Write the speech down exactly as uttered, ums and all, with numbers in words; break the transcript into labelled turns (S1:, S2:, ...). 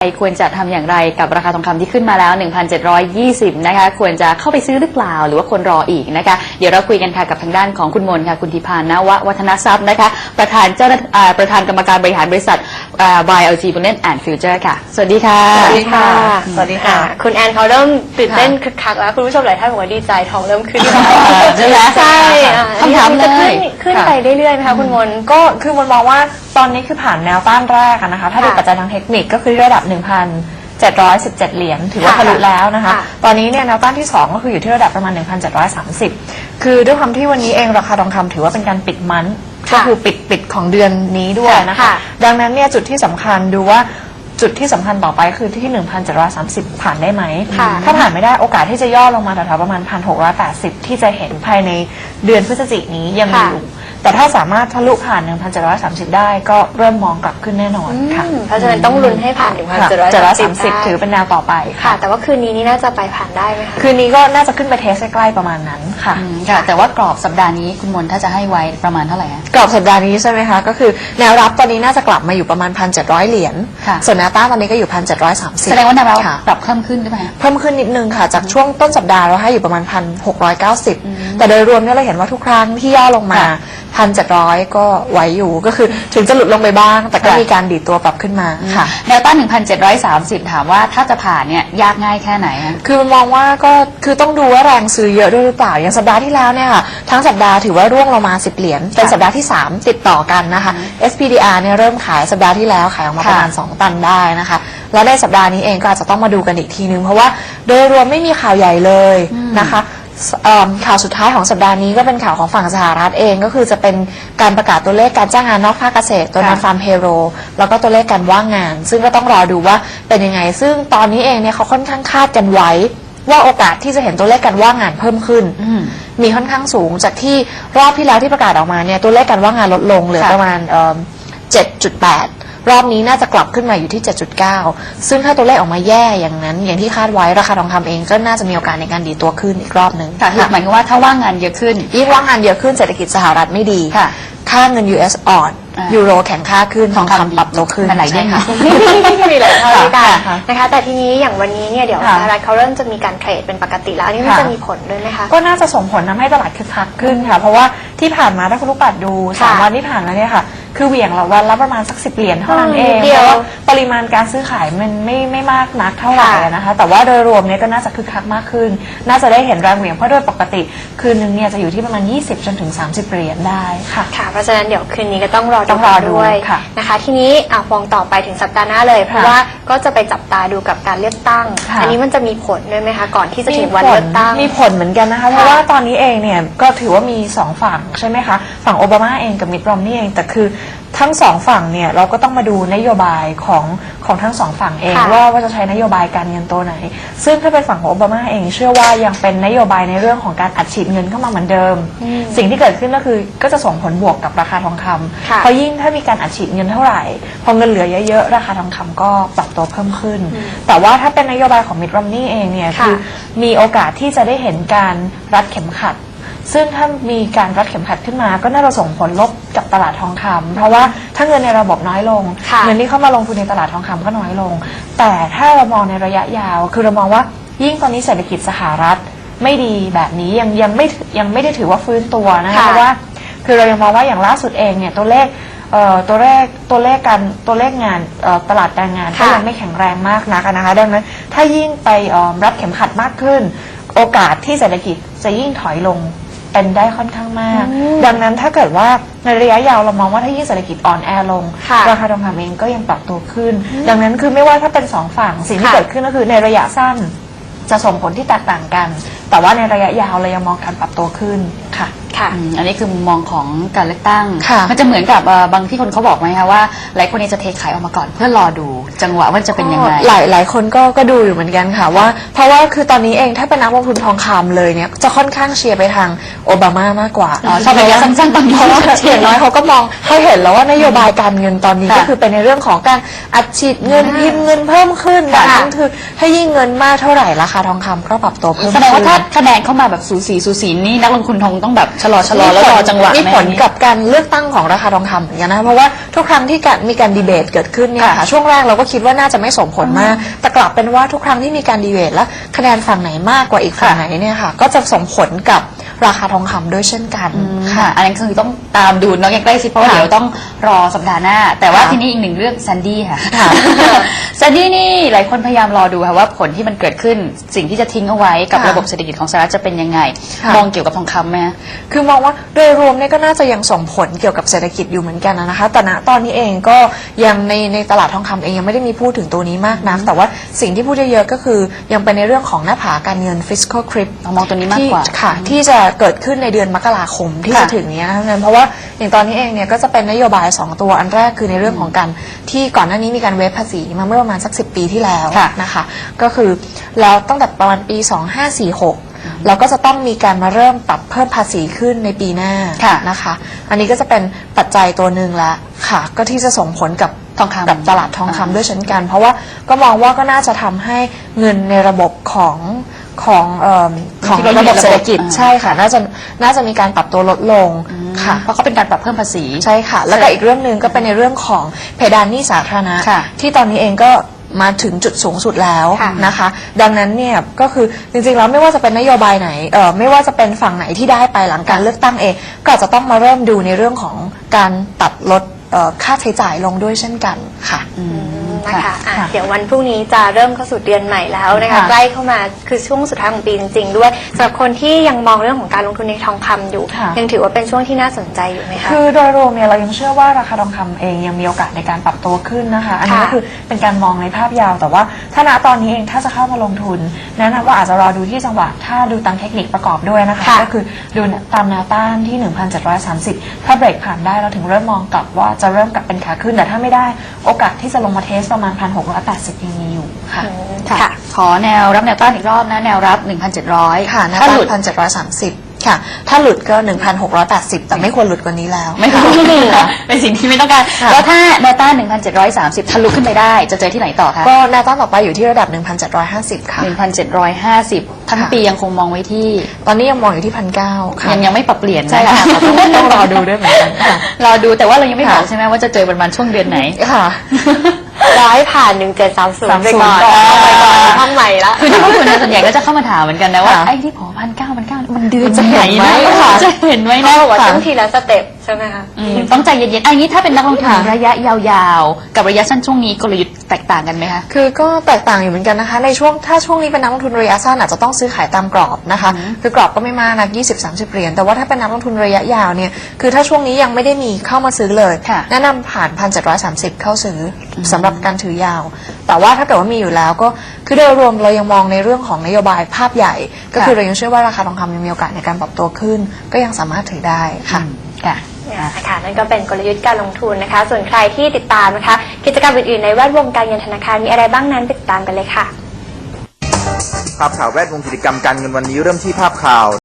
S1: ควรจะทำอย่างไรกับราคาทองคำที่ขึ้นมาแล้ว หนึ่งพันเจ็ดร้อยยี่สิบ นะคะควรจะเข้าไปซื้อหรือเปล่าหรือว่าควรรออีกนะคะเดี๋ยวเราคุยกันค่ะกับทางด้านของคุณมนค่ะคุณธิพานนววัฒนทรัพย์นะคะประธานเจ้าประธานกรรมการบริหารบริษัท วาย แอล จี Bullion and Future ค่ะสวัสดีค่ะ
S2: สวัสดีค่ะ
S3: สวัสดีค่ะ
S2: คุณแอนเขาเริ่มตื่นเต้นคึกคักแล้วคุณผู้ชมหลายท่านบอกว่าดีใจทองเริ่มขึ้น
S1: ใช่ไหม
S2: ใช่
S1: คำถามเลย
S2: ขึ้นไปเรื่อยๆไหมคะคุณมน
S3: ก็คือมันมองว่าตอนนี้คือผ่านแนวต้านแรกนะคะถ้าดูปัจจัยทางเทคนิคก็คือระดับ หนึ่งพันเจ็ดร้อยสิบเจ็ด เหรียญถือว่าทะลุแล้วนะคะตอนนี้เนี่ยแนวต้านที่สองก็คืออยู่ที่ระดับประมาณ หนึ่งพันเจ็ดร้อยสามสิบ คือด้วยความที่วันนี้เองราคาทองคำถือว่าเป็นการปิดมันก็คือปิดปิดของเดือนนี้ด้วยนะคะดังนั้นเนี่ยจุดที่สำคัญดูว่าจุดที่สำคัญต่อไปคือที่ หนึ่งพันเจ็ดร้อยสามสิบ ผ่านได้ไหมถ้าผ่านไม่ได้โอกาสที่จะย่อลงมาแถวๆประมาณ หนึ่งพันหกร้อยแปดสิบ ที่จะเห็นภายในเดือนพฤศจิกายนนี้ยังมีอยู่แต่ถ้าสามารถทะลุผ่าน หนึ่งพันเจ็ดร้อยสามสิบ ได้ก็เริ่มมองกลับขึ้นแน่นอนค่ะ
S2: เพราะฉะนั้นต้องลุ้นให้ผ่าน หนึ่งพันเจ็ดร้อยสามสิบ
S3: ถือเป็นแนวต่อไป
S2: ค่ะแต่ว่าคืนนี้นี่น่าจะไปผ่านได้ไหมคะ
S3: คืนนี้ก็น่าจะขึ้นไปเทสใกล้ๆประมาณนั้นค่ะ
S1: ค่ะแต่ว่ากรอบสัปดาห์นี้คุณมนถ้าจะให้ไว้ประมาณเท่าไหร่
S3: กรอบสัปดาห์นี้ใช่ไหมคะก็คือแนวรับตอนนี้น่าจะกลับมาอยู่ประมาณ หนึ่งพันเจ็ดร้อย เหรียญส่วนแนวต้านตอนนี้ก็อยู่ หนึ่งพันเจ็ดร้อยสามสิบ
S1: แสดงว่าแนวรับปรับเพิ่มขึ้นใช่ไหม
S3: เพิ่มขึ้นนิดนึงค่ะจากช่วงต้นสัปดาห์เราให้อยู่ประมาณ หนึ่งพันหกร้อยเก้าสิบ แต่โดยรวมเนี่ยเราเห็นว่าทุกครั้งที่ย่อลงมา หนึ่งพันเจ็ดร้อย ก็ไหวอยู่ก็คือถึงจะหลุดลงไปบ้างแต่ก็มีการดีดตัวปรับขึ้นมาค่ะ
S1: แนวต้าน หนึ่งพันเจ็ดร้อยสามสิบ ถามว่าถ้าจะผ่านเนี่ยยากง่ายแค่ไหนคะ
S3: คือมันมองว่าก็คือต้องดูว่าแรงซื้อเยอะด้วยหรือเปล่าอย่างสัปดาห์ที่แล้วเนี่ยค่ะทั้งสัปดาห์ถือว่าร่วงลงมาสิบเหรียญเป็นสัปดาห์ที่สามติดต่อกันนะคะ เอส พี ดี อาร์ เนี่ยเริ่มขายสัปดาห์ที่แล้วขายออกมาประมาณสองตันได้นะคะแล้วในสัปดาห์นี้เองก็อาจจะต้องมาดูกันอีกทีนึงเพราะว่าโดยรวมไม่มีข่าวใหญ่เลยนะคะข่าวสุดท้ายของสัปดาห์นี้ก็เป็นข่าวของฝั่งสหรัฐเองก็คือจะเป็นการประกาศตัวเลขการจ้างงานนอกภาคเกษตรตัว non farm payroll แล้วก็ตัวเลขการว่างงานซึ่งก็ต้องรอดูว่าเป็นยังไงซึ่งตอนนี้เองเนี่ยเขาค่อนข้างคาดกันไว้ว่าโอกาสที่จะเห็นตัวเลขการว่างงานเพิ่มขึ้นมีค่อนข้างสูงจากที่รอบที่แล้วที่ประกาศออกมาเนี่ยตัวเลขการว่างงานลดลงเหลือประมาณ เจ็ดจุดแปดรอบนี้น่าจะกลับขึ้นมาอยู่ที่ เจ็ดจุดเก้า ซึ่งถ้าตัวเลขออกมาแย่อย่างนั้นอย่างที่คาดไว้ราคาทองคำเองก็น่าจะมีโอกาสในการดีตัวขึ้นอีกรอบนึง
S1: ค่ะหมายความว่าถ้าว่างงานเยอะขึ้น
S3: ยิ่งว่างงานเยอะขึ้นเศรษฐกิจสหรัฐไม่ดีค่าเงิน ยู เอส อ่อนยูโรแข็งค่าขึ้นทองคำปรับตัวขึ้น
S1: อะไรได้ค่ะ
S2: มีหลายเท่าด้วยกันนะคะแต่ทีนี้อย่างวันนี้เนี่ยเดี๋ยวสหรัฐเขาเริ่มจะมีการเทรดเป็นปกติแล้วอันนี้มันจะมีผลด้วยไหมคะ
S3: ก็น่าจะส่งผลทำให้ตลาดคึกคักขึ้นค่ะเพราะว่าที่ผ่านมาถ้าคุณลูกปัดดูสามวันที่ผ่านมาเนี่ยค่ะคือเหวี่ยงละวันละประมาณสักสิบเหรียญเท่านั้นเองเพราะว่าปริมาณการซื้อขายมันไม่ไม่มากนักเท่าไหร่นะคะแต่ว่าโดยรวมเนี่ยก็น่าจะคึกคักมากขึ้นน่าจะได้เห็นแรงเหวี่ยงเพราะโดยปกติคืนนึงเนี่ยจะอยู่ที่ประมาณยี่สิบจนถึงสามสิบเหรียญได้ค่ะ
S2: ค่ะเพราะฉะนั้นเดี๋ยวคืนนี้ก็ต้องรอดูด้วยนะคะทีนี้ฟองต่อไปถึงสัปดาห์หน้าเลยเพราะว่าก็จะไปจับตาดูกับการเลือกตั้งอันนี้มันจะมีผลด้วยไหมคะก่อนที่จะถึงวันเลือกตั้ง
S3: มีผลเหมือนกันนะคะเพราะว่าตอนนี้เองเนี่ยก็ถือว่ามีสองฝั่งใช่ไหมคะฝั่งโอบามาเองกับมิตรรอมนี่เองแต่คือทั้งสองฝั่งเนี่ยเราก็ต้องมาดูนโยบายของของทั้งสองฝั่งเองว่าว่าจะใช้นโยบายการเงินตัวไหนซึ่งถ้าเป็นฝั่งของโอบามาเองเชื่อว่ายังเป็นนโยบายในเรื่องของการอัดฉีดเงินเข้ามาเหมือนเดิมสิ่งที่เกิดขึ้นก็คือก็จะส่งผลบวกกับราคาทองคำเพราะยิ่งถ้ามีการอัดฉีดเงินเท่าไหร่พอเงินเหลือเยอะๆราคาทองคำก็ปรับตัวเพิ่มขึ้นแต่ว่าถ้าเป็นนโยบายของมิตรรอมนี่เองเนี่ยคือมีโอกาสที่จะได้เห็นการรัดเข็มขัดซึ่งถ้ามีการรัดเข็มขัดขึ้นมาก็น่าจะส่งผลลบกับตลาดทองคำเพราะว่าถ้าเงินในระบบน้อยลงเงินที่เข้ามาลงทุนในตลาดทองคำก็น้อยลงแต่ถ้าเรามองในระยะยาวคือเรามองว่ายิ่งตอนนี้เศรษฐกิจสหรัฐไม่ดีแบบนี้ยังยังไม่ยังไม่ได้ถือว่าฟื้นตัวนะคะเพราะว่าคือเรายังมองว่าอย่างล่าสุดเองเนี่ยตัวเลขตัวเลขตัวเลขการตัวเลขงานตลาดแรงงานก็ยังไม่แข็งแรงมากนักนะคะดังนั้นถ้ายิ่งไปรับเข็มขัดมากขึ้นโอกาสที่เศรษฐกิจจะยิ่งถอยลงเป็นได้ค่อนข้างมากดังนั้นถ้าเกิดว่าในระยะยาวเรามองว่าถ้ายิ่งเศรษฐกิจอ่อนแอลงราคาทองคำเองก็ยังปรับตัวขึ้นดังนั้นคือไม่ว่าถ้าเป็นสองฝั่งสิ่งที่เกิดขึ้นก็คือในระยะสั้นจะส่งผลที่แตกต่างกันแต่ว่าในระยะยาวเรายังมองการปรับตัวขึ้นค่ะ
S1: ค่ะอันนี้คือมุมมองของการเลือกตั้งมันจะเหมือนกับบางที่คนเขาบอกไหมคะว่าหลายคนนี้จะเทขายออกมาก่อนเพื่อรอดูจังหวะว่าจะเป็นยังไง
S3: หลายหลายคนก็ก็ดูอยู่เหมือนกันค่ะว่าเพราะว่าคือตอนนี้เองถ้าเป็นนักลงทุนทองคำเลยเนี่ยจะค่อนข้างเชียร์ไปทางโอบามามากกว่า
S1: ชอบระยะสั้นๆตอนนี้
S3: เพราะว่าอย่างน้อยเขาก็มองเขาเห็นแล้วว่านโยบายการเงินตอนนี้ก็คือเป็นในเรื่องของการอัดฉีดเงินพิมพ์เงินเพิ่มขึ้นแบบนั้นคือถ้ายิ่งเงินมากเท่าไหร่ราคาทองคำก็ปรับตัวเพิ่ม
S1: แสดงว่าถ้าคะแนนเข้ามาแบบสูสีสูสีนี่นักลงทุนทองต้องแบบชะลอชะลอแล้วรอจังหวะ
S3: มีผล
S1: ไห
S3: กับการเลือกตั้งของราคาทองคำเหมือนกันนะคะเพราะว่าทุกครั้งที่การมีการดีเบตเกิดขึ้นเนี่ยค่ะช่วงแรกเราก็คิดว่าน่าจะไม่ส่งผลมากแต่กลับเป็นว่าทุกครั้งที่มีการดีเบตแล้วคะแนนฝั่งไหนมากกว่าอีกฝั่งไหนเนี่ยค่ะก็จะส่งผลกับราคาทองคำด้วยเช่นกัน
S1: ค่ะ อันนั้นคือต้องตามดูน้องอย่างใกล้ชิดเพราะว่า
S3: ค่ะ
S1: เดี๋ยวต้องรอสัปดาห์หน้า แต่ว่า
S3: ค่ะ
S1: ทีนี้อีกหนึ่งเรื่องแซนดี้ค่ะ
S3: ค่ะ
S1: แซนดี้นี่หลายคนพยายามรอดูค่ะว่าผลที่มันเกิดขึ้นสิ่งที่จะทิ้งเอาไว้กับ
S3: ค่ะ
S1: ระบบเศรษฐกิจของสหรัฐจะเป็นยังไง
S3: ค่ะ
S1: มองเกี่ยวกับทองคำไหม
S3: คือมองว่าโดยรวมเนี่ยก็น่าจะยังส่งผลเกี่ยวกับเศรษฐกิจอยู่เหมือนกันนะคะแต่ณตอนนี้เองก็ยังในในตลาดทองคำเองยังไม่ได้มีพูดถึงตัวนี้มากนักแต่ว่าสิ่งที่พูดเยอะๆก็คือยังเป็นในเรื่องของหน้าผาการเงิน fiscal cliff
S1: เรามองตัวนี้มากกว่า
S3: ที่ค่ะที่จะเกิดขึ้นในเดือนมกราคมที่
S1: ค่ะ
S3: จะถึงนี้นะคะเพราะว่าอย่างตอนนี้เองเนี่ยก็จะเป็นนโยบายสองตัวอันแรกคือในเรื่องของการที่ก่อนหน้านี้มีการเวฟภาษีมาเมื่อประมาณสักสิบปีที่แล้ว
S1: ค่ะ
S3: นะคะก็คือแล้วตั้งแต่ประมาณปีสองห้าสี่หกเราก็จะต้องมีการมาเริ่มปรับเพิ่มภาษีขึ้นในปีหน้า
S1: ค่ะ
S3: นะคะ อันนี้ก็จะเป็นปัจจัยตัวหนึ่งละค่ะ ก็ที่จะส่งผลกับ
S1: ทองคำ
S3: กับตลาดทองคำด้วยเช่นกัน เพราะว่าก็มองว่าก็น่าจะทำให้เงินในระบบของของเอิ่มของ
S1: ที่เราอยู่
S3: ระบบเศรษฐกิจ
S1: ในระบบ
S3: ใช่ค่ะน่าจะน่าจะมีการปรับตัวลดลงค่ะ
S1: เพราะเขาเป็นการปรับเพิ่มภาษี
S3: ใช่ค่ะ แล้วก็อีกเรื่องหนึ่งก็เป็นในเรื่องของเพดานหนี้สาธารณะ
S1: ค่ะ
S3: ที่ตอนนี้เองก็มาถึงจุดสูงสุดแล้ว
S2: ค่ะ
S3: นะคะ ดังนั้นเนี่ยก็คือจริงๆแล้วไม่ว่าจะเป็นนโยบายไหนเอ่อไม่ว่าจะเป็นฝั่งไหนที่ได้ไปหลังการเลือกตั้งเอง ก็อาจจะต้องมาเริ่มดูในเรื่องของการตัดลดเอ่อค่าใช้จ่ายลงด้วยเช่นกันค่ะ
S1: อืม
S2: นะคะอ่ะ
S3: ค่ะ
S2: เดี๋ยววันพรุ่งนี้จะเริ่มเข้าสู่เดือนใหม่แล้วนะคะ
S3: ค่ะ
S2: ใกล้เข้ามาคือช่วงสุดท้ายของปีจริง ๆ ด้วยสำหรับคนที่ยังมองเรื่องของการลงทุนในทองคำอยู่
S3: ค่ะ
S2: ยังถือว่าเป็นช่วงที่น่าสนใจอยู่ไหมคะ
S3: คือโดยรวมเนี่ยเรายังเชื่อว่าราคาทองคำเองยังมีโอกาสในการปรับตัวขึ้นนะคะ อันนี้
S2: ค่ะ
S3: ก็คือเป็นการมองในภาพยาว แต่ว่าถ้าณตอนนี้เองถ้าจะเข้ามาลงทุนแนะนำว่าอาจจะรอดูที่จังหวะถ้าดูตามเทคนิคประกอบด้วยนะคะ
S2: ค่ะ
S3: ก็คือดูตามแนวต้านที่ หนึ่งพันเจ็ดร้อยสามสิบ ถ้าเบรกผ่านได้เราถึงเริ่มมองกลับว่าจะเริ่มกลับเป็นขาขึ้นแต่ถ้าไม่ได้โอกาสที่จะลงมาเทสประมาณ หนึ่งพันหกร้อยแปดสิบ ยังมีอยู่ค่ะ
S2: อืม
S1: ค่ะ
S2: ค่ะ
S1: ขอแนวรับแนวต้านอีกรอบนะ แนวรับ หนึ่งพันเจ็ดร้อย
S3: ค่ะแนว
S1: ถ้า
S3: ต้า
S1: หลุ
S3: น
S1: ด
S3: หนึ่งพันเจ็ดร้อยสามสิบค่ะ ถ้าหลุดก็ หนึ่งพันหกร้อยแปดสิบ แต่ไม่ควรหลุดกว่านี้แล้ว
S1: ไม่ถูกเป็นสิ่งที่ไม่ต้องการ
S3: ค่ะ
S1: แล้วถ้าแนวต้าน หนึ่งพันเจ็ดร้อยสามสิบ ทะลุขึ้นไปได้ จะเจอที่ไหนต่อคะ
S3: ก็แนวต้านต่อไปอยู่ที่ระดับ หนึ่งพันเจ็ดร้อยห้าสิบ ค่ะ
S1: หนึ่งพันเจ็ดร้อยห้าสิบ ทั้ง
S3: ค่ะ
S1: ปียังคงมองไว้ที่
S3: ตอนนี้ยังมองอยู่ที่ หนึ่งพันเก้าร้อย ค่ะ
S1: ยังยังไม่ปรับเปลี่ยนนะ
S3: ใช่ค่ะต้องต้องรอดูด้วยเหมือนกันค่ะ
S1: รอดูแต่ว่าเรายังไม่บอก
S3: ค่ะ
S1: ใช่ไหมว่าจะเจอประมาณช่วงเดือนไหน
S3: ค่ะ
S2: รอให้ผ่านหนึ่งเจ็ดสามศูนย์ไปก่อน
S3: ก่อน
S2: เอาไปก่อนห้องใหม่ละ
S1: คือที่พวกคุณส่วนใหญ่ก็จะเข้ามาถามเหมือนกันนะว่า
S3: ค่ะ
S1: ไอ้ที่ผอพันเก้าพันเก้ามันเดือน
S3: มันจะเห็นไหม
S1: นะ
S3: ค่ะ
S1: จะเห็นไหม
S2: เขา
S1: นะ
S2: บอกว่า
S3: ค่ะ
S2: ต้องทีละสเต็ปใช่ไหมคะ
S1: อืมต้องใจเย็นๆอันนี้ถ้าเป็นนักลงทุน
S3: ค่ะ
S1: ระยะยาวๆ กับระยะสั้นช่วงนี้กลยุทธ์แตกต่างกันไหมคะ
S3: คือก็แตกต่างอยู่เหมือนกันนะคะ ในช่วงถ้าช่วงนี้เป็นนักลงทุนระยะสั้นอาจจะต้องซื้อขายตามกรอบนะคะ คือกรอบก็ไม่มากนะยี่สิบ สามสิบเหรียญ แต่ว่าถ้าเป็นนักลงทุนระยะยาวเนี่ย คือถ้าช่วงนี้ยังไม่ได้มีเข้ามาซื้อเลย
S1: ค่ะ
S3: แนะนำผ่าน หนึ่งพันเจ็ดร้อยสามสิบ เข้าซื้ออสำหรับการถือยาว แต่ว่าถ้าเกิดว่ามีอยู่แล้วก็คือโดยรวมเรายังมองในเรื่องของนโยบายภาพใหญ่ ก็คือเรายังเชื่อว่าราคาทองคำยังมีโอกาสในการปรับตัวขึ้น ก็ยังสามารถถือได้ค่ะ
S1: ค่ะ
S2: นะคะนั่นก็เป็นกลยุทธ์การลงทุนนะคะ ส่วนใครที่ติดตามนะคะ กิจกรรมอื่นๆในแวดวงการเงินธนาคารมีอะไรบ้างนั้นติดตามกันเลยค่ะ
S4: ภาพข่าวแวดวงกิจกรรมการเงินวันนี้เริ่มที่ภาพข่าว